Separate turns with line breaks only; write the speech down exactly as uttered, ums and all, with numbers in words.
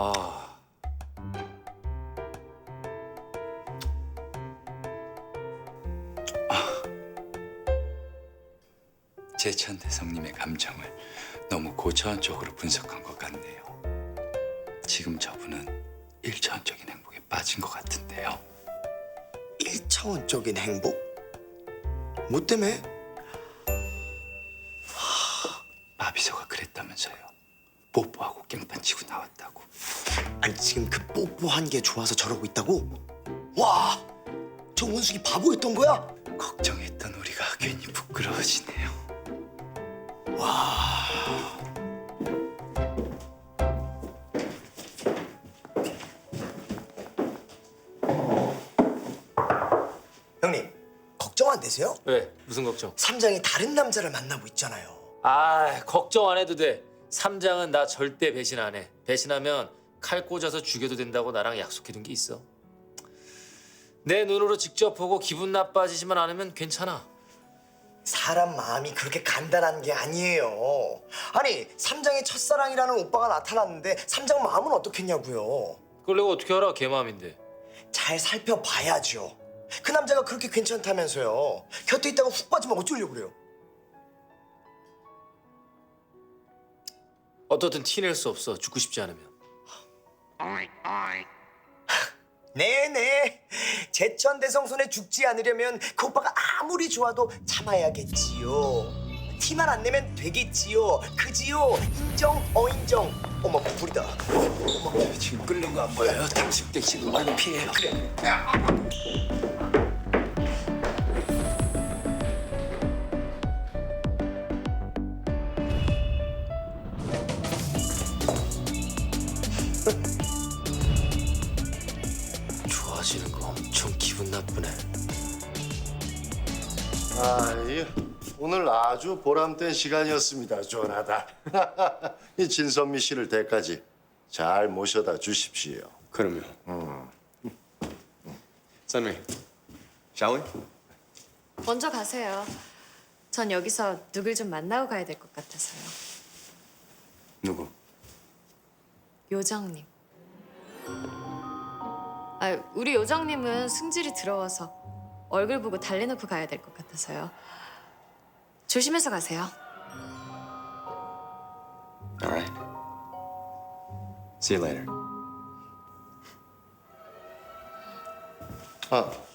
아.
제천 대성님의 감정을 너무 고차원적으로 분석한 것 같네요. 지금 저분은 일차원적인 행복에 빠진 것 같은데요.
일차원적인 행복? 뭐 때문에?
마비서가 그랬다면서요. 뽀뽀하고 깽판 치고 나왔다고.
아니 지금 그 뽀뽀한 게 좋아서 저러고 있다고? 와, 저 원숙이 바보였던 거야?
걱정했던 우리가 괜히 부끄러워지네요.
와. 형님, 걱정 안 되세요?
왜? 무슨 걱정?
삼장이 다른 남자를 만나고 있잖아요.
아, 걱정 안 해도 돼. 삼장은 나 절대 배신 안 해. 배신하면 칼 꽂아서 죽여도 된다고 나랑 약속해둔 게 있어. 내 눈으로 직접 보고 기분 나빠지지만 않으면 괜찮아.
사람 마음이 그렇게 간단한 게 아니에요. 아니, 삼장의 첫사랑이라는 오빠가 나타났는데 삼장 마음은 어떻겠냐고요.
그걸 내가 어떻게 알아? 걔 마음인데.
잘 살펴봐야죠. 그 남자가 그렇게 괜찮다면서요. 곁에 있다가 훅 빠지면 어쩌려고 그래요.
어떻든 티낼 수 없어. 죽고 싶지 않으면.
네네. 제천대성 손에 죽지 않으려면 그 오빠가 아무리 좋아도 참아야겠지요. 티만 안 내면 되겠지요. 그지요. 인정 어인정. 어머 불이다. 어머.
지금 끓는 거 안 보여요? 당신 때 지금 얼른 피해요. 그래.
좋아지는 거 엄청 기분 나쁘네.
아, 이 오늘 아주 보람된 시간이었습니다, 조나단. 이 진선미 씨를 댁까지 잘 모셔다 주십시오.
그러면. 선미, shall we?
먼저 가세요. 전 여기서 누굴 좀 만나고 가야 될 것 같아서요.
누구?
요정님. 아, 우리 요정님은 승질이 들어와서 얼굴 보고 달래놓고 가야 될 것 같아서요. 조심해서 가세요.
All right. See you later.
아,